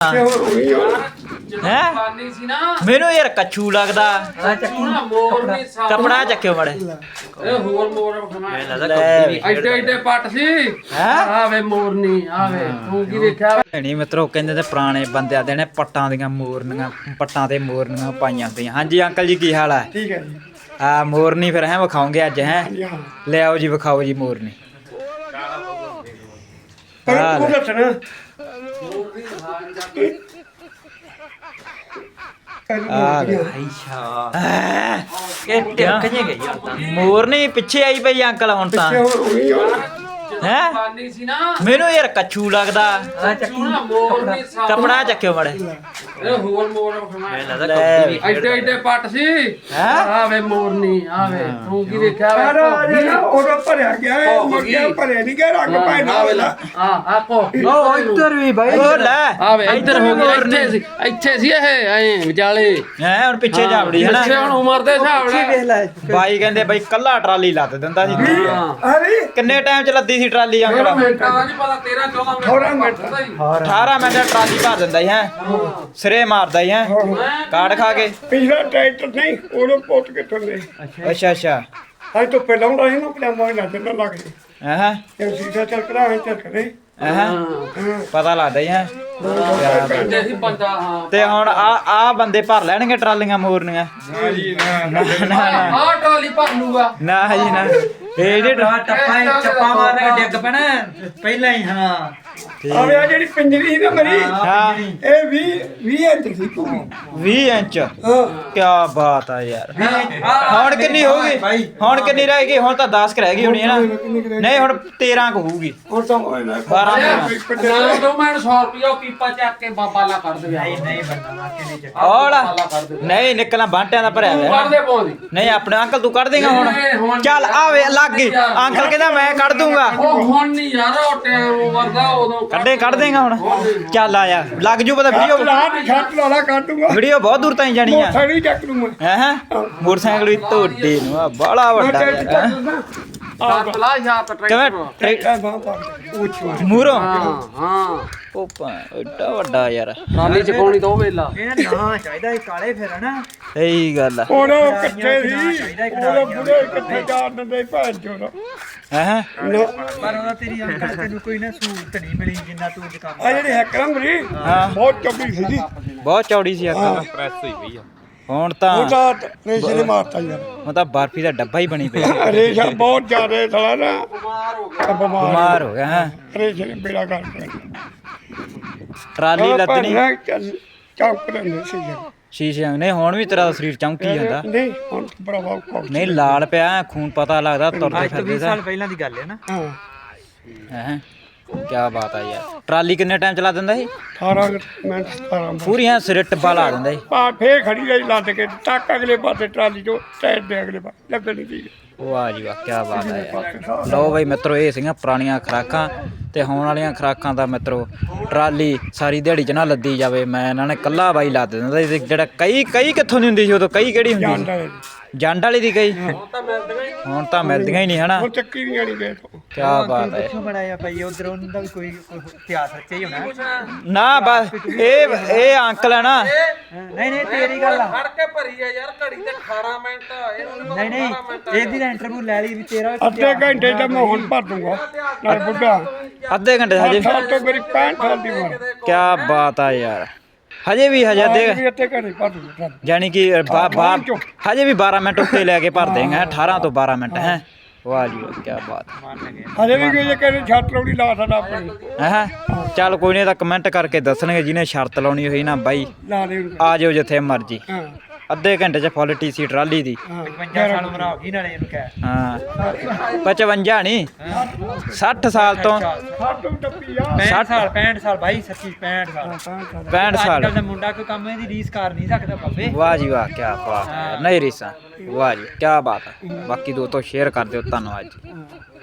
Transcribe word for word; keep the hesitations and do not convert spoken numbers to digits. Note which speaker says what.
Speaker 1: ਹੈ ਮੈਨੂੰ ਯਾਰ ਕੱਛੂ ਲੱਗਦਾ ਕਪੜਾ ਚੱਕਿਓ ਮੜੇ
Speaker 2: ਹੋਰ ਮੋਰ ਐਡੇ ਐਡੇ ਪੱਟ ਸੀ ਆਵੇ ਮੋਰਨੀ ਆਵੇ ਤੂੰ ਕੀ ਦੇਖਿਆ
Speaker 1: ਨਹੀਂ ਮਿੱਤਰੋ ਕਹਿੰਦੇ ਤੇ ਪੁਰਾਣੇ ਬੰਦਿਆਂ ਦੇ ਨੇ ਪੱਟਾਂ ਦੀਆਂ ਮੋਰਨੀਆਂ ਪੱਟਾਂ ਤੇ ਮੋਰਨੀਆਂ ਪਾਈਆਂ ਹੁੰਦੀਆਂ। ਹਾਂਜੀ ਅੰਕਲ ਜੀ ਕੀ ਹਾਲ ਹੈ?
Speaker 3: ਠੀਕ ਹੈ ਜੀ।
Speaker 1: ਆ ਮੋਰਨੀ ਫਿਰ ਹੈ ਵਿਖਾਉਂਗੇ ਅੱਜ ਹੈ ਲੈ ਆਓ ਜੀ ਵਿਖਾਓ ਜੀ ਮੋਰਨੀ। ਮੋਰਨੀ ਪਿੱਛੇ ਆਈ ਪਈ ਅੰਕਲ ਹੁਣ ਤਾਂ ਹੈ ਮੈਨੂੰ ਯਾਰ ਕੱਛੂ ਲੱਗਦਾ ਕਪੜਾ ਚੱਕਿਓ ਮੜੇ
Speaker 2: ਹੋਰ ਮੋਰ ਐਡੇ ਐਡੇ ਪੱਟ ਸੀ ਆਵੇ ਮੋਰਨੀ ਆਵੇ ਤੂੰ ਕੀ ਦੇਖਿਆ
Speaker 3: ਉਦੋਂ ਭਰਿਆ ਗਿਆ ਮੁਰਗਿਆ ਭਰਿਆ ਨਹੀਂ ਗਿਆ ਰੰਗ ਪੈਣਾ
Speaker 2: ਆ ਆਪੋ
Speaker 1: ਉਹ ਇੱਧਰ ਵੀ ਬਾਈ ਉਹ ਲੈ
Speaker 2: ਆਵੇ ਇੱਧਰ ਹੋ ਗਿਆ ਇੱਥੇ ਸੀ ਇੱਥੇ ਸੀ ਇਹ ਐ ਵਿਚਾਲੇ
Speaker 1: ਹੈ ਹੁਣ ਪਿੱਛੇ ਜਾਵੜੀ ਹੈ ਨਾ
Speaker 2: ਪਿੱਛੇ ਹੁਣ ਉਮਰ ਦੇ ਹਿਸਾਬ ਨਾਲ
Speaker 1: ਬਾਈ ਕਹਿੰਦੇ ਬਾਈ ਕੱਲਾ ਟਰਾਲੀ ਲੱਦ ਦਿੰਦਾ ਸੀ ਕਿੰਨੇ ਟਾਈਮ ਚ ਲੱਦੀ ਸੀ ਟਰਾਲੀ ਅੰਕਲ
Speaker 2: ਮਿੰਟਾਂ ਦਾ ਨਹੀਂ ਪਤਾ ਤੇਰਾਂ ਚੌਦਾਂ ਮਿੰਟ
Speaker 1: ਅਠਾਰਾਂ ਮਿੰਟ ਟਰਾਲੀ ਭਰ ਦਿੰਦਾ ਸੀ ਹੈ ਸਿਰੇ ਮਾਰਦਾ ਹੀ ਹੈ ਕਾੜ ਖਾ ਕੇ
Speaker 3: ਪਿਛਲਾ ਟਰੈਕਟਰ ਨਹੀਂ ਉਦੋਂ ਪੁੱਟ ਕੇ ਥੱਲੇ
Speaker 1: ਅੱਛਾ ਅੱਛਾ
Speaker 3: ਅੱਜ ਤੋਂ ਪਹਿਲਾਂ ਹੁੰਦਾ ਸੀ ਨਾ ਪਜਾਮਾ ਹੀ ਲੱਗ ਜਾਂਦਾ ਲੱਗ ਜੇ
Speaker 1: ਹਾਂ
Speaker 3: ਇਹ ਸੀਸਾ ਚੱਲ ਕਰਾ ਐ ਚੱਲ ਕਰੇ
Speaker 1: ਹਾਂ ਪਤਾ ਲੱਗਦਾ ਹੀ ਹੈ
Speaker 2: ਕਹਿੰਦੇ ਸੀ ਬੰਦਾ ਹਾਂ
Speaker 1: ਤੇ ਹੁਣ ਆ ਆ ਬੰਦੇ ਭਰ ਲੈਣਗੇ ਟਰਾਲੀਆਂ ਮੋਰਨੀਆਂ ਨਾ ਨਾ
Speaker 2: ਆਹ ਟਰਾਲੀ ਭਰ ਲੂਗਾ
Speaker 1: ਨਾ ਜੀ ਨਾ ਇਹ ਜੇ ਟੱਪਾ ਚੱਪਾ ਮਾਰਨੇ ਡਿੱਗ ਪੈਣਾ ਪਹਿਲਾਂ ਹੀ ਹਾਂ
Speaker 3: ਆਵੇ ਆ ਜਿਹੜੀ ਪਿੰਜਰੀ ਸੀ ਨਾ ਮੇਰੀ
Speaker 1: ਹਾਂ
Speaker 3: ਇਹ ਵੀਹ ਵੀਹ ਇੰਚ ਸੀ ਪੂਰੀ
Speaker 1: ਵੀਹ ਇੰਚ
Speaker 3: ਹਾਂ
Speaker 1: ਕੀ ਬਾਤ ਆ ਯਾਰ ਹੁਣ ਕਿੰਨੀ ਹੋ ਗਈ ਹੁਣ ਕਿੰਨੀ ਰਹਿ ਗਈ ਹੁਣ ਤਾਂ ਦਸ ਕ ਰਹਿ ਗਈ ਹੋਣੀ ਹੈ ਨਾ ਨਹੀਂ ਹੁਣ ਤੇਰਾਂ ਕੁ ਹੋਊਗੀ
Speaker 3: ਹੁਣ ਤਾਂ ਹੋਏ ਨਾ
Speaker 1: ਬਾਰਾਂ
Speaker 2: ਨਾ ਦੋ ਮੈਂ ਸੌ ਰੁਪਇਆ ਪੀਪਾ ਚੱਕ ਕੇ ਬਾਬਾ ਲਾ ਕਰ ਦੇ ਨਹੀਂ ਨਹੀਂ
Speaker 1: ਔਲਾ ਨਹੀਂ ਨਿਕਲਣਾ ਬਾਂਟਿਆਂ ਦਾ ਭਰਿਆ ਹੋਇਆ
Speaker 2: ਕੱਢ ਦੇ ਪੌਦੀ
Speaker 1: ਨਹੀਂ ਆਪਣੇ ਅੰਕਲ ਤੂੰ ਕੱਢ ਦੇਗਾ ਹੁਣ ਚੱਲ ਆਵੇ ਲੱਗ ਗਈ ਅੰਕਲ ਕਹਿੰਦਾ ਮੈਂ ਕੱਢ ਦੂੰਗਾ
Speaker 2: ਉਹ ਹੁਣ ਨਹੀਂ ਯਾਰ ਉਹ ਟਾਈਮ ਵਰਦਾ ਉਦੋਂ
Speaker 1: ਕੱਢੇ ਕੱਢ ਦੇਗਾ ਹੁਣ ਚੱਲ ਆਇਆ ਲੱਗ ਜੂ ਪਤਾ ਵੀਡੀਓ
Speaker 3: ਲਾਟ ਛੱਟ ਲਾਲਾ ਕਾਟੂਗਾ
Speaker 1: ਵੀਡੀਓ ਬਹੁਤ ਦੂਰ ਤਾਈਂ ਜਾਣੀ ਆ
Speaker 3: ਸਾਡੀ ਚੱਕ ਲੂ ਮੈਂ
Speaker 1: ਹੈ ਮੋਟਰਸਾਈਕਲ ਵੀ ਤੁਹਾਡੇ ਨੂੰ ਆ ਬੜਾ ਵੱਡਾ
Speaker 2: ਸੱਤ ਲਾ ਜਾਂ ਤਾਂ ਟਰੈਕਟਰ
Speaker 3: ਇਹ ਬਾਹ ਪਾ ਉੱਚਾ
Speaker 1: ਮੂਰੋਂ
Speaker 2: ਹਾਂ ਹਾਂ
Speaker 1: ਉਹ ਪਾ ਏਡਾ ਵੱਡਾ ਯਾਰ
Speaker 2: ਟਰਾਲੀ ਚ ਪਾਉਣੀ ਦੋ ਵੇਲਾ
Speaker 1: ਇਹ ਨਾ ਚਾਹੀਦਾ ਕਾਲੇ ਫਿਰ ਹਨਾ ਸਹੀ ਗੱਲ ਆ
Speaker 3: ਉਹ ਕਿੱਥੇ ਸੀ ਉਹ ਬੁੜੇ ਕਿੱਥੇ ਜਾਣ ਦਿੰਦੇ ਭੈਣ ਚੋਦ
Speaker 1: ਹੈ
Speaker 4: ਪਰ ਉਹਦਾ ਤੇਰੀ ਅੰਕਲ ਤੈਨੂੰ ਕੋਈ ਨਾ ਸਹੂਲਤ ਨਹੀਂ ਮਿਲੀ ਜਿੰਨਾ ਤੂੰ ਦੁਕਾਨ
Speaker 3: ਆ ਜਿਹੜੀ ਹੈਕਰਾਂ ਮਰੀ
Speaker 1: ਹਾਂ
Speaker 3: ਬਹੁਤ ਚੌੜੀ ਸੀ ਜੀ
Speaker 1: ਬਹੁਤ ਚੌੜੀ ਸੀ ਅੱਖਾਂ ਪ੍ਰੈਸ ਹੋਈ ਪਈ ਆ ਹੁਣ ਤਾਂ
Speaker 3: ਉਹ ਤਾਂ ਰੇਸ਼ੇ ਨੇ ਮਾਰਤਾ ਯਾਰ
Speaker 1: ਹੁਣ ਤਾਂ ਬਰਫੀ ਦਾ ਡੱਬਾ ਹੀ ਬਣੀ ਪਿਆ
Speaker 3: ਰੇਸ਼ਾ ਬਹੁਤ ਜ਼ਿਆਦਾ ਥਲਾ ਨਾ ਬਿਮਾਰ
Speaker 1: ਬਿਮਾਰ ਹੋ ਗਿਆ ਹੈ
Speaker 3: ਰੇਸ਼ੇ ਨੇ ਬੇੜਾ ਕਰ ਦਿੱਤਾ
Speaker 1: ਟਰਾਲੀ ਲੱਦਣੀ
Speaker 3: ਚੌਂਕ ਲੈਂਦੇ ਸੀ ਯਾਰ
Speaker 1: ਸ਼ੀਸ਼ੇ ਨਹੀਂ ਹੁਣ ਵੀ ਤੇਰਾ ਸਰੀਰ ਚਮਕੀ ਜਾਂਦਾ
Speaker 3: ਨਹੀਂ ਹੁਣ ਬੜਾ ਵਾਹ
Speaker 1: ਨਹੀਂ ਲਾਲ ਪਿਆ ਖੂਨ ਪਤਾ ਲੱਗਦਾ ਤੁਰਦੇ ਫਿਰਦੇ ਦਾ
Speaker 4: ਸਾਲ ਪਹਿਲਾਂ ਦੀ ਗੱਲ ਹੈ ਨਾ
Speaker 3: ਹਾਂ
Speaker 1: ਹੈ ਕੀ ਬਾਤ ਆ ਯਾਰ ਟਰਾਲੀ ਕਿੰਨੇ ਟਾਈਮ ਚਲਾ ਦਿੰਦਾ ਸੀ
Speaker 3: ਅਠਾਰਾਂ ਮਿੰਟ ਸਤਾਰਾਂ ਮਿੰਟ
Speaker 1: ਪੂਰੀਆਂ ਸਿਰੇ ਟੱਬਾ ਲਾ ਦਿੰਦਾ ਸੀ
Speaker 3: ਪਾ ਫੇਰ ਖੜੀ ਰਹੀ ਲੱਦ ਕੇ ਟੱਕ ਅਗਲੇ ਪਾਸੇ ਟਰਾਲੀ ਚੋਂ ਟਾਇਰ ਦੇ ਅਗਲੇ ਪਾਸੇ ਲੱਗਣੀ ਸੀ
Speaker 1: ਵਾਹ ਜੀ ਵਾਹ ਕੀ ਬਾਤ ਹੈ ਯਾਰ ਲਓ ਬਈ ਮਿੱਤਰੋ ਇਹ ਸੀਗੀਆਂ ਪੁਰਾਣੀਆਂ ਖੁਰਾਕਾਂ ਤੇ ਹੋਣ ਵਾਲੀਆਂ ਖੁਰਾਕਾਂ ਦਾ ਮਿੱਤਰੋ ਟਰਾਲੀ ਸਾਰੀ ਦਿਹਾੜੀ ਚ ਨਾ ਲੱਦੀ ਜਾਵੇ ਮੈਂ ਇਹਨਾਂ ਨੇ ਕੱਲਾ ਬਾਈ ਲੱਦ ਦਿੰਦਾ ਜਿਹੜਾ ਕਈ ਕਈ ਕਿੱਥੋਂ ਦੀ ਹੁੰਦੀ ਸੀ ਉਦੋਂ ਕਈ ਕਿਹੜੀ ਹੁੰਦੀ ਸੀ ਜੰਡ ਵਾਲੀ ਦੀ ਕਈ ਹੁਣ ਤਾਂ ਮਿਲਦੀਆਂ ਹੀ ਨਹੀਂ ਹਨਾ
Speaker 3: ਉਹ ਚੱਕੀ ਨਹੀਂ ਆਣੀ ਗਏ ਤੋਂ
Speaker 1: ਕੀ ਬਾਤ ਹੈ
Speaker 4: ਕਿੱਥੋਂ ਬਣਾਇਆ ਭਾਈ ਉਧਰ ਉਹਨਾਂ ਦਾ ਵੀ ਕੋਈ ਇਤਿਹਾਸ ਰੱਖਿਆ ਹੀ ਹੋਣਾ
Speaker 1: ਨਾ ਬਸ ਇਹ ਇਹ ਅੰਕਲ ਹੈ ਨਾ
Speaker 4: ਨਹੀਂ ਨਹੀਂ ਤੇਰੀ ਗੱਲ ਆ
Speaker 2: ਫੜ ਕੇ ਭਰੀ ਆ ਯਾਰ ਘੜੀ ਤੇ ਅਠਾਰਾਂ ਮਿੰਟ ਇਹਨੂੰ
Speaker 4: ਨਹੀਂ ਨਹੀਂ ਇਹਦੀ ਤਾਂ ਇੰਟਰਵਿਊ ਲੈ ਲਈ ਵੀ ਤੇਰਾ
Speaker 3: ਅੱਧੇ ਘੰਟੇ ਦਾ ਮੈਂ ਹੁਣ ਭਰ ਦੂੰਗਾ ਨਾਲ ਬੁੱਢਾ
Speaker 1: ਅੱਧੇ ਘੰਟੇ ਹਜੇ
Speaker 3: ਸੱਠ ਤੋਂ ਮੇਰੀ ਪੈਂਹਠ ਸਾਲ ਦੀ ਉਮਰ
Speaker 1: ਕੀ ਬਾਤ ਆ ਯਾਰ ਹਜੇ ਵੀ ਹਜੇ ਅੱਧੇ
Speaker 3: ਵੀ ਅੱਧੇ ਘੰਟੇ ਭਰ ਦੂੰਗਾ
Speaker 1: ਯਾਨੀ ਕਿ ਹਜੇ ਵੀ ਬਾਰਾਂ ਮਿੰਟ ਉੱਤੇ ਲੈ ਕੇ ਭਰ ਦੇਗਾ ਅਠਾਰਾਂ ਤੋਂ ਬਾਰਾਂ ਮਿੰਟ ਹੈ ਵਾਹ ਜੀ ਕੀ ਬਾਤ
Speaker 3: ਹਜੇ ਵੀ ਕੋਈ ਕਹਿੰਦੇ ਛੱਟ ਲਾਉਣੀ ਲਾ ਸਾਡਾ ਆਪਣੀ
Speaker 1: ਹੈ ਚੱਲ ਕੋਈ ਨਹੀਂ ਤਾਂ ਕਮੈਂਟ ਕਰਕੇ ਦੱਸਣਗੇ ਜਿਹਨੇ ਸ਼ਰਤ ਲਾਉਣੀ ਹੋਈ ਨਾ ਬਾਈ
Speaker 3: ਲਾ ਦੇ
Speaker 1: ਆ ਜਾਓ ਜਿੱਥੇ ਮਰਜੀ
Speaker 3: ਹਾਂ
Speaker 1: ਅੱਧੇ ਘੰਟੇ ਚ ਫੁੱਲ ਟੀਸੀ ਟਰਾਲੀ ਦੀ
Speaker 4: ਪਚਵੰਜਾ ਸਾਲ ਉਮਰ ਹੋ ਗਈ ਨਾਲੇ ਇਹਨੂੰ ਕਹਿ
Speaker 1: ਹਾਂ ਪਚਵੰਜਾ ਨਹੀਂ ਸੱਠ ਸਾਲ ਤੋਂ
Speaker 3: ਸੱਠ ਟੱਪੀ ਆ
Speaker 4: ਪੈਂਹਠ ਸਾਲ ਪੈਂਹਠ ਸਾਲ ਭਾਈ ਸੱਚੀ ਪੈਂਹਠ ਸਾਲ
Speaker 1: ਪੈਂਹਠ ਸਾਲ
Speaker 4: ਅੱਜ ਦਾ ਮੁੰਡਾ ਕੋਈ ਕੰਮ ਇਹਦੀ ਰੀਸ ਕਰ ਨਹੀਂ ਸਕਦਾ ਬਾਬੇ
Speaker 1: ਵਾਹ ਜੀ ਵਾਹ ਕੀ ਬਾਤ ਹੈ ਨਹੀਂ ਰੀਸਾ ਵਾਹ ਜੀ ਕੀ ਬਾਤ ਹੈ ਬਾਕੀ ਦੋਸਤੋ ਸ਼ੇਅਰ ਕਰ ਦਿਓ ਧੰਨਵਾਦ ਜੀ।